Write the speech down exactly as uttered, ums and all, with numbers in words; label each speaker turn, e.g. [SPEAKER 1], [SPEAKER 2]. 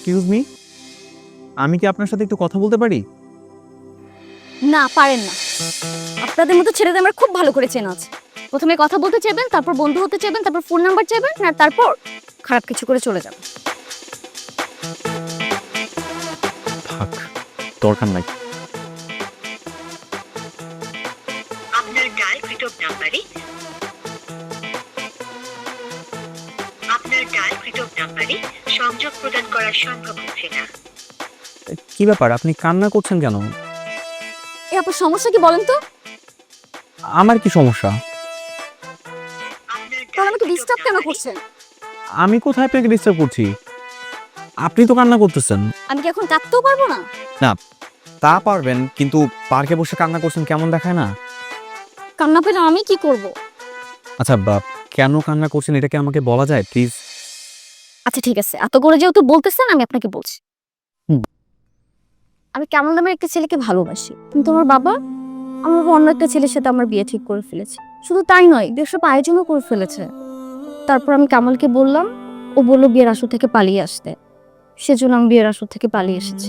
[SPEAKER 1] Excuse me, আমি কি আপনার সাথে একটু কথা বলতে পারি?
[SPEAKER 2] না পারেন না। আপনাদের মতো ছেলেদের আমার খুব ভালো করে চেনা আছে। প্রথমে কথা বলতে চাইবেন, তারপর বন্ধু হতে চাইবেন, তারপর ফোন নাম্বার চাইবেন, আর তারপর খারাপ কিছু করে চলে যাবেন।
[SPEAKER 1] থাক, দরকার নাই।
[SPEAKER 3] আপনার ডায়ালকৃত নাম্বারে আপনার ডায়ালকৃত নাম্বারে সংযোগ প্রদান করা সম্ভব হচ্ছে না।
[SPEAKER 1] কি ব্যাপার, আপনি কান্না করছেন কেন?
[SPEAKER 2] এ আপনার সমস্যা কি বলেন তো?
[SPEAKER 1] আমার কি সমস্যা?
[SPEAKER 3] আপনার
[SPEAKER 2] তাহলে আমাকে
[SPEAKER 3] ডায়ালকৃত
[SPEAKER 2] ডিস্টার্ব কেন
[SPEAKER 3] নাম্বারে
[SPEAKER 2] করছেন?
[SPEAKER 1] আমি কোথায় আপনাকে ডিস্টার্ব করছি? আপনি তো কান্না করতেছেন।
[SPEAKER 2] আমি কি এখন কাঁদতেও পারবো না?
[SPEAKER 1] না, তা পারবেন, কিন্তু পার্কে বসে কান্না করছেন কেমন দেখায় না?
[SPEAKER 2] কান্না পেলে আমি কি করব?
[SPEAKER 1] আচ্ছা, বা কেন কান্না করছেন এটাকে আমাকে বলা যায় প্লিজ?
[SPEAKER 2] আচ্ছা ঠিক আছে, এত করে যেহেতু বলতেছেন আমি আপনাকে বলছি।
[SPEAKER 1] হুম।
[SPEAKER 2] আমি কেমন নামের একটা ছেলেকে ভালোবাসি, কিন্তু আমার বাবা আমার বাবা অন্য একটা ছেলের সাথে আমার বিয়ে ঠিক করে ফেলেছে। শুধু তাই নয়, বিয়ের সব আয়োজনও করে ফেলেছে। তারপর আমি কামালকে বললাম, ও বললো বিয়ের আসর থেকে পালিয়ে আসতে। সেজন্য আমি বিয়ের আসর থেকে পালিয়ে এসেছি।